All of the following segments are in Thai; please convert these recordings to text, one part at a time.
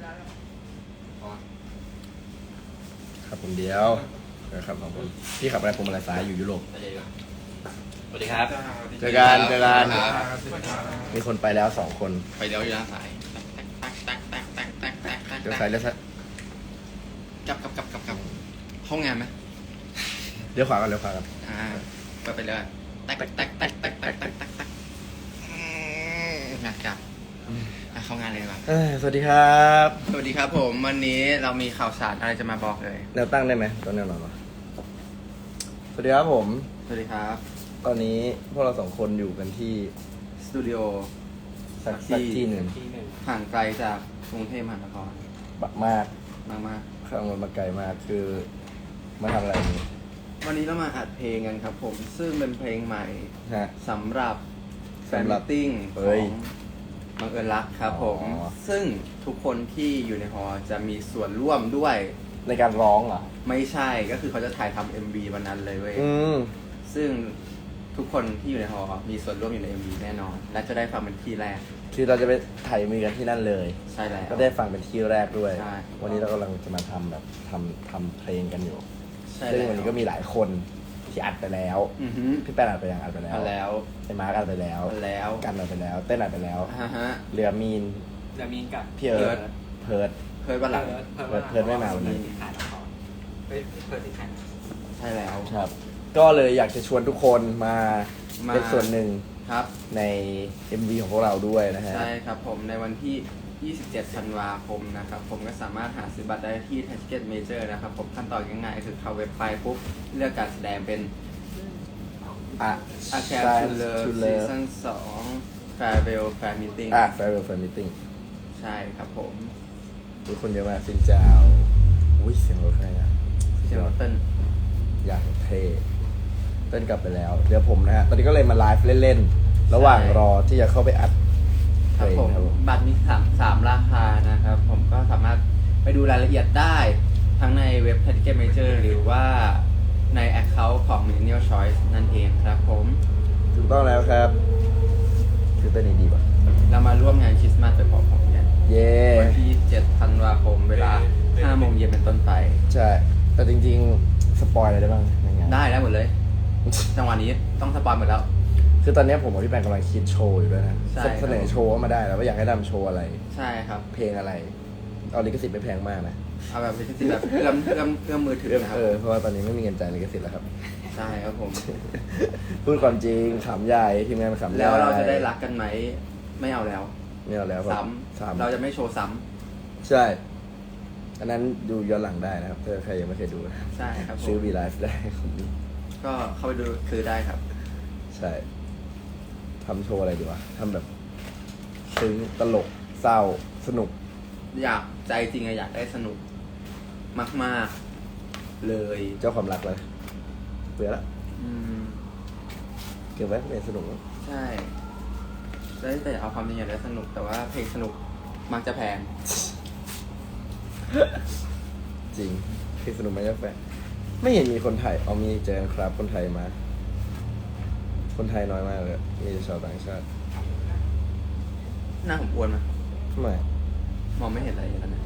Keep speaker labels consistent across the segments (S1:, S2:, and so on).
S1: ครับผมเดียวนะครับของผมพี่ขับอะไรผมอะไรสายอยู่ยุโรป
S2: สวัสดีครับ
S1: เจอกันมีคนไปแล้ว2 คน
S2: ไปเดี๋ยวอยู่ด้านซ้าย
S1: เดี๋ยวซ้ายแล้วซ้าย
S2: กลับห้องงานไหม
S1: เลี้ยวขวากัน
S2: ไปเลยงานกลับเข้างานเลยดีกว่า
S1: สวัสดีครับ
S2: สวัสดีครับผมวันนี้เรามีข่าวสารอะไรจะมาบอกเลย
S1: แนวตั้งได้ไหมตอนแนวนอนวะสวัสดีครับผม
S2: สวัสดีครับ
S1: ตอนนี้พวกเรา2 คนอยู่กันที่
S2: สตูดิโอ
S1: สักที่หนึ่ง
S2: ห่างไกลจากกรุงเทพมหานคร
S1: บักมาก
S2: มาก
S1: ข้างมันมาไกลมากคือมาทำอะไรนี่
S2: ๆวันนี้เรามาอัดเพลงกันครับผมซึ่งเป็นเพลงใหม่
S1: ฮะ
S2: สำหรับแฟน
S1: สำหรั
S2: มิ
S1: บ
S2: ทติ้ง
S1: เฮ้
S2: ขอย งบังเอิญรักครับผม
S1: อ๋อ
S2: ซึ่งทุกคนที่อยู่ในหอจะมีส่วนร่วมด้วย
S1: ในการร้องเหรอ
S2: ไม่ใช่ก็คือเขาจะถ่ายทำ MV วันนั้นเลยเว้ย
S1: ม
S2: ซึ่งทุกคนที่อยู่ในหอมีส่วนร่วมอยู่ใน MV แน่นอน และจะได้ฟังเป็นที่แรก
S1: คือเราจะไปถ่ายมีกันที่นั่นเลย
S2: ใช่แล้ว
S1: ก็ได้ฟังเป็นที่แรกด้วย
S2: ใช่
S1: วันนี้เรากำลังจะมาทำแบบทำเพลงกันอยู่
S2: ใช่
S1: ซึ่ง
S2: แล้ว
S1: วันนี้ก็มีหลายคนที่อัดไปแล้ว
S2: อือฮึ
S1: พี่แป้นอัดไปยังอัดไปแล้ว
S2: อันแล้ว
S1: ไอ้มาร์กอัดไปแล้ว
S2: อันแล้ว
S1: กันอัดไปแล้ว เต้นอัดไปแล้ว
S2: ฮะ
S1: เหลือมีน
S3: จะมีกับ
S1: พี่เอิร์ธเพิร์ด
S2: เคยวันหลัง
S1: เพิร์ดไม่มาวันนี้
S3: ขายละครเปิดที่ขาย
S2: ใช่แล้ว
S1: ครับ ก็เลยอยากจะชวนทุกคนมา
S2: มา
S1: เป็นส่วนหนึ่ง
S2: ครับ
S1: ใน MV ของพวกเราด้วยนะฮะ
S2: ใช่ครับผมในวันที่ 27 ธันวาคมนะครับผมก็สามารถหาซื้อบัตรได้ที่ Ticket Major นะครับผมขั้นตอนง่ายๆคือเข้าเว็บไปปุ๊บเลือกการแสดงเป็น
S1: อ่ะ
S2: A Care to Love
S1: to Love
S2: Season 2 Farewell Fan Meeting
S1: Farewell Fan Meeting
S2: ใช่ครับผม
S1: ทุกคนเยอะมากสินเจ้าอุ้ยเสียงรถใครนะ
S2: เจอเติ้ล
S1: อย่างเท่เต้นกลับไปแล้ว เดี๋ยวผมนะฮะ ตอนนี้ก็เลยมาไลฟ์เล่นๆ ระหว่างรอที่จะเข้าไปอัด
S2: ครับผม
S1: ครับผม
S2: บัตรมี3ราคานะครับ ผมก็สามารถไปดูรายละเอียดได้ทั้งในเว็บ Ticket Major หรือว่าใน Account ของ Millennial Choice นั่นเองครับผม
S1: ถูกต้องแล้วครับคือเต้นดีป่ะ
S2: เรามาร่วมงานคริสต์มาสไปพร้อมๆกัน
S1: เย้
S2: วันที่7 ธันวาคมเวลา 5 โมงเย็นเป็นต้นไป
S1: ใช่ แต่จริงๆ สปอยอะไรได้บ้างในงาน
S2: ได้แล้วหมดเลย จังหวะนี้ต้องสปอยหมดแล้ว
S1: คือตอนนี้ผมกับพี่แปงกำลังคิดโชว์อยู่ด้วยนะ
S2: ใช่
S1: เสนอโชว์เข้ามาได้แล้วว่าอยากให้ทำโชว์อะไร
S2: ใช่ครับ
S1: เพลงอะไร เอาลิขสิทธิ์ไม่แพงมากนะ
S2: เอาแบบเป็นแบบเอื้อมมือถือนะครับ
S1: เพราะว่าตอนนี้ไม่มีเงินจ่ายลิขสิทธิ์แล้วครับ
S2: ใช่ครับผม
S1: พูดความจริงขำใหญ่ทีมงานขำใหญ่
S2: แล้วเราจะได้รักกันไหมไม่เอาแล้ว
S1: ไม่เอาแล้ว
S2: ซ้ำเราจะไม่โชว์ซ้
S1: ใช่ อันนั้นดูย้อนหลังได้นะครับถ้าใครยังไม่เคยดูนะ
S2: ำใช่ครับผ
S1: ซื้อ
S2: ม
S1: วีไลฟ์ได้ของนี้
S2: ก็เข้าไปดูซื้อได้ครับ
S1: ใช่ทำโชว์อะไรดีวะทำแบบซึ้งตลกเศร้าสนุก
S2: อยากใจจริงอะอยากได้สนุกมากๆเลย
S1: เจ้าความรักเลยเบื่อละ
S2: อืม
S1: เก็บไว้เป็นสนุก
S2: ใช่ได้แต่เอาความจริงอยากได้สนุก แต่ว่าเพลงสนุกมักจะแพง
S1: จริงคือสนุกไหมเจ้าแฟนไม่เห็นมีคนไทยเอามีเจอครับคนไทยมา คนไทยน้อยมากเลยมีแต่ชาวต่างชาติ
S2: หน้าผมอ้วนไหม
S1: ไม่
S2: มองไม่เห็นอะไรอย่างนั้นนะ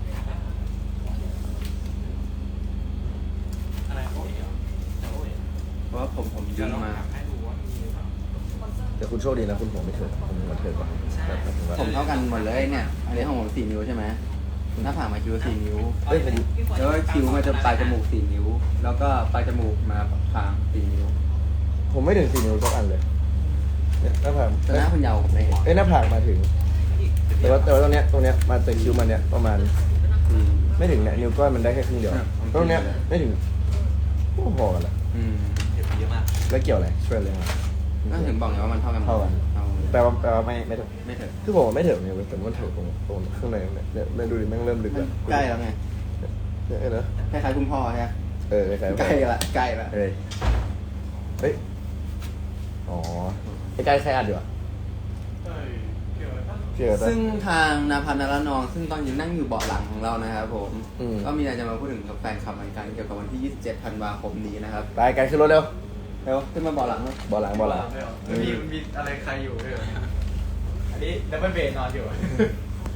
S3: อะไรโอ้ยเหรอโอ้ย
S2: เพราะว่าผมยื
S3: เดี๋ยวน ลอง
S2: มา
S3: ถามให้ดูว่ามีหรือเปล่า
S1: แต่คุณโชคดีนะคุณหัวไม่เถิดผมหัวเถิดกว่าแบบหมายถึงว่า
S2: ผมเท่ากันหมดเลยเนี่ย อันนี้ของผม4 นิ้วใช่ไหมหน้าผากมาคิ้ว4 นิ้ว
S1: เฮ้ยผม
S2: แล้วก็คิ้วมาจะปลายจมูก4 นิ้ว แล้วก็ปลายจมูกมาคาง4 นิ้ว
S1: ผมไม่ถึง4 นิ้วสักอันเลยเนี่ยหน้าผาก
S2: แต่หน้าคุณยาวผมไม่เห็น
S1: หน้าผากมาถึง แต่ว่าตรงเนี้ยมาจากคิ้วมันเนี้ยประมาณ
S2: อืม
S1: ไม่ถึงเนี่ยนิ้วก้อยมันได้แค่ครึ่งเดียว
S2: ครับ
S1: ตรงเนี้ยไม่ถึงพอกันละ
S2: อืม
S3: เห็นเยอะมาก
S1: แล้วเกี่ยวอะไรช่วยเลยมั้ย
S2: ก็ถึงบอกไงว่ามันเท่ากันหมด
S1: เท่ากัน
S2: เอา
S1: แปลว่าไม่ถึง
S2: ไม่เถอะ
S1: คือผมไม่ถึงเนี่ยแต่มันถึงตรงข้างในเนี่ยดูดิแม่งเริ่มลึก
S2: มัน
S1: แล้ว
S2: ใกล้แล้วไง
S1: เนี่ยนะ
S2: คล้ายๆคุณพ่อใช่ไหม
S1: คล้ายๆ
S2: ใกล้ละใกล้ละ
S1: เฮ้ยอ๋อใกล้ๆใครอัดอยู่อ่ะ
S3: เอ้ยเกี่ยวกับ
S1: เชื่อปะ
S2: ซึ่งทางนาพันนาระนอง ซึ่งตอนอยู่นั่งอยู่เบาะหลังของเรานะครับผม
S1: อืม
S2: ก็มีอะไรจะมาพูดถึงกับแฟนคลับเหมือนกันเกี่ยวกับวันที่ 27 ธันวาคมนี้นะครับ
S1: ไปกันขึ้นรถเร็ว
S2: เร็วขึ้นมาเบาะหลังเลย
S1: บอลหลัง
S3: มีอะไรใครอยู่ด้วยเหรออันนี้ดับเบิลเบนนอนอยู่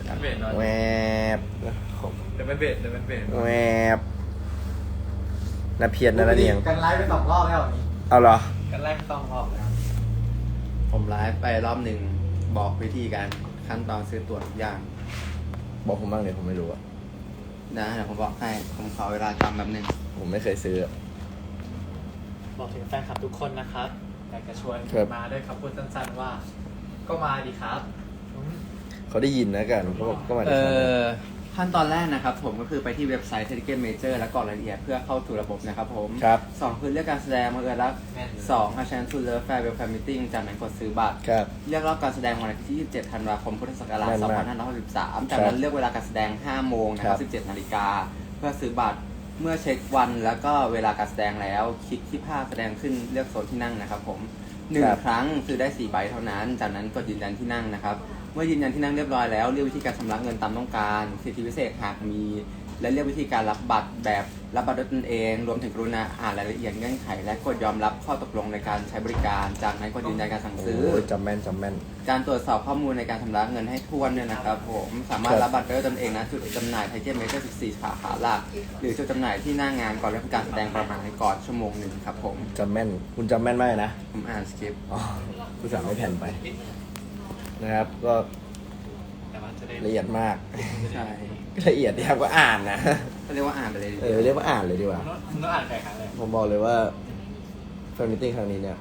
S3: เบสนอน
S1: แวบ
S3: เดี๋ยวเป็นเบส
S1: แวบนาเพียรนาระเนียง
S4: กันไลฟ์ไป2 รอบแล้วนี่
S1: เอาเหรอ
S4: กันไลฟ์ไป2 รอบแล้ว
S2: ผมไลฟ์ไปรอบหนึ่งบอกวิธีการขั้นตอนซื้อตั๋วทุกอย่าง
S1: บอกผมบ้างเลยผมไม่รู้อะ
S2: นะเดี๋ยวผมบอกให้ผมขอเวลาจำแบบหนึ่ง
S1: ผมไม่เคยซื้ออะ
S4: บอกถึงแฟนคลับทุกคนนะครับอยากจะชวน
S1: ครับ
S4: มาด้วยคำพูดสั้นๆว่า ก็มาดีครับ
S1: เขาได้ยินนะกันเขาบอกก็มา
S2: เอ
S1: จากทางนั้น
S2: อขั้นตอนแรกนะครับผมก็คือไปที่เว็บไซต์ Ticket Major แล้วกรอกรายละเอียดเพื่อเข้าสู่ระบบนะครับผม
S1: ครับ
S2: 2คือเลือกการแสดงมาเออรัก
S4: แม่น
S2: 2 A Chance to Love Fair Welcome Meeting จากนั้นกดซื้อบัตร
S1: ครับ
S2: เลือกรอบการแสดงวันที่ 27 ธันวาคม พุทธศักราช
S1: แม่นมาก
S2: 2563 จากนั้นเลือกเวลาการแสดง 5 โมงนะครับ 17 นาฬิกา เพื่อซื้อบัตร เมื่อเช็ควันแล้วก็เวลาการแสดงแล้ว คลิกที่ภาพแสดงขึ้นเลือกโซนที่นั่งนะครับผม 1 ครั้งซื้อได้ 4 ใบเท่านั้น จากนั้นกดยืนยันที่นั่งนะครับ เมื่อยืนยันที่นั่งเรียบร้อยแล้วเลือกวิธีการชำระเงินตามต้องการ สิทธิพิเศษหากมี และเลือกวิธีการรับบัตรแบบรับบัตรด้วยตนเอง รวมถึงกรุณาอ่านรายละเอียดเงื่อนไข และกดยอมรับข้อตกลงในการใช้บริการ จากนั้นกดยืนยันการสั่ง
S1: โอ้
S2: ซื้อ
S1: ยจำแม่นจำแม่น
S2: การตรวจสอบข้อมูลในการชำระเงินให้ถ้วนเนี่ยนะครับผมสามารถ
S1: ครับ
S2: รับบัตรได้ด้วยตนเองนะจุดจำหน่ายไทเทมเมเจอร์14 สาขาหลัก หรือจุดจำหน่ายที่หน้างานก่อนเริ่มการแสดงประมาณก่อนชั่วโมงหนึ่งครับผม
S1: จำแม่น คุณจำแม่นมากเลยนะ
S2: ผมอ่านสคริปต์
S1: อ๋อคุณสั่งไม่แผ่นไปนะครับ ก็
S4: แต่ว่าจะได้
S1: ละเอียดมาก
S2: ใช่
S1: ละเอียดที่ครับก็อ่านนะ
S2: ก็เรียกว่าอ่านไปเลยดีก
S1: เอ
S2: ว่า
S1: อเรียกว่าอ่านเลยดีกว่า
S4: คุณต้องอ่านใครครั้งเลย
S1: ผมบอกเลยว่าแฟนมิทติ้งครั้งนี้เนี่ย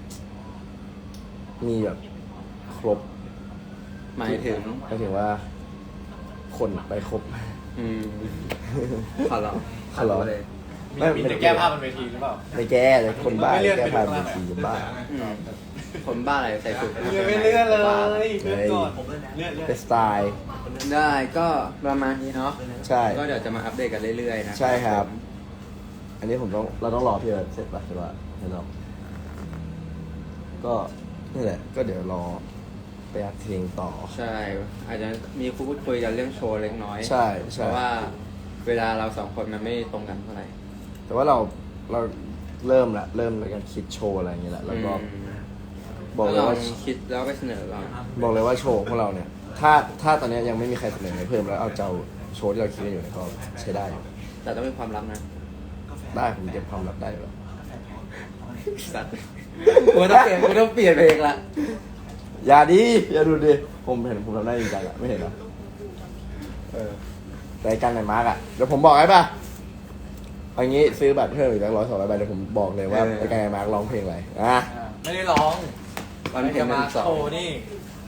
S1: มีแบบครบ
S2: หมายถึง
S1: หมายถึงว่า คนไปครบ
S2: อืมขอร้อง
S1: ขอร้อง
S2: เลย
S4: มีแต่แก้ผ้าบนเวทีหรือเปล่า
S1: ไม่แก้เลยคนบ้า
S4: ไม่เลื่อน
S1: แก้
S4: ไป
S1: ผ่าน
S4: ดู
S1: เว
S4: ข้างหลัง
S1: ทีบ้า
S2: อืมคนบ้าอะไรใส่สุด
S4: ไม่เลื่อนเลยเลื่อนก่อนเลื่อน
S1: เป็นสไตล์
S2: ได้ก็ประมาณนี้เนาะ
S1: ใช่
S2: ก็เดี๋ยวจะมาอัปเดตกันเรื่อยๆนะ
S1: ใช่ครับ อันนี้เราต้องรอพี่เอิร์ธเสร็จป่ะใช่ป่ะเห็นหรอก็นี่แหละ ก็เดี๋ยวรอไปอัดเพลงต่อ
S2: ใช่ อาจจะมีพูดคุยกันเรื่องโชว์เล็กน้อย
S1: ใช่
S2: เพ
S1: ใช่
S2: ราะว่าเวลาเราสองคนมันไม่ตรงกันเท่าไหร่
S1: แต่ว่าเราเริ่มในการคิดโชว์อะไรอย่างเงี้ยแหละแล้วก็บอกเลยว่า
S2: คิดแล้วไปเสนอเรา
S1: บอกเลยว่าโชว์ของเราเนี่ย ถ้าตอนนี้ยังไม่มีใครเสนออะไรเพิ่มแล้วเอาเจ้าโชว์ที่เราคิดกันอยู่เนี่ยก็ใช้ได้อยู่
S2: แต่ต้องมีความลับนะ
S1: ได้ผมเก็บความลับได้อยู่แล้ว
S2: สัตว์กูต้องเปลี่ยนเพลงละ
S1: อย่าดูดิผมเห็นผมทำได้จริงจังอะไม่เห็นเหรอแต่ไอ้กันไหนมาร์กอะเดี๋ยวผมบอกให้ป่ะเอางี้ซื้อบัตรเพิ่มอีกตั้ง100-200 ใบเดี๋ยวผมบอกเลยว่าไอ้กันไหนมาร์กร้องเพลงอะไรอ่ะ
S4: ไม่ได้ร้อง
S2: วันเพลง
S4: มา
S2: มันสอง
S4: โชว์นี่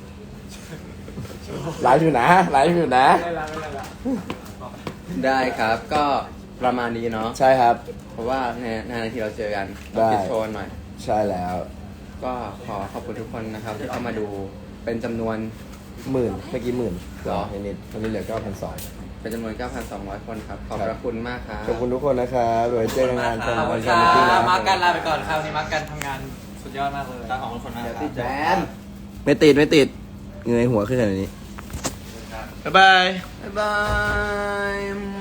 S1: ไลฟ์อยู่นะ
S4: ไม่ได้ละ
S2: ได้ครับ ก็ประมาณนี้เนาะ
S1: ใช่ครับ
S2: เพราะว่าในนาทีเราเจอกัน
S1: ได้
S2: ปิดโชว์หน่อย
S1: ใช่แล้ว
S2: ก็ขอขอบคุณทุกคนนะครับ ที่เข้ามาดูเป็นจำนวน
S1: 10,000เมื่อกี้10,000
S2: หรอ
S1: นิดๆตอนนี้เหลือ 9,200
S2: เป็นจำนวน 9,200 คนครับ ขอบพระคุณมากครับ
S1: ขอบคุณทุกคนนะครับโดยเจอกันงาน
S4: ขอบคุณ
S1: แฟ
S4: ครั
S1: นมิตติ้งนะ
S4: บมาร์กกันลาไปก่อนครับวันนี้มาร์กกันทำงานสุดยอดมากเลยของทุกคนมากครับ
S2: แบน
S1: ไม่ติดเงยหัวขึ้นขนาดนี้ บ๊ายบาย
S2: บ๊ายบาย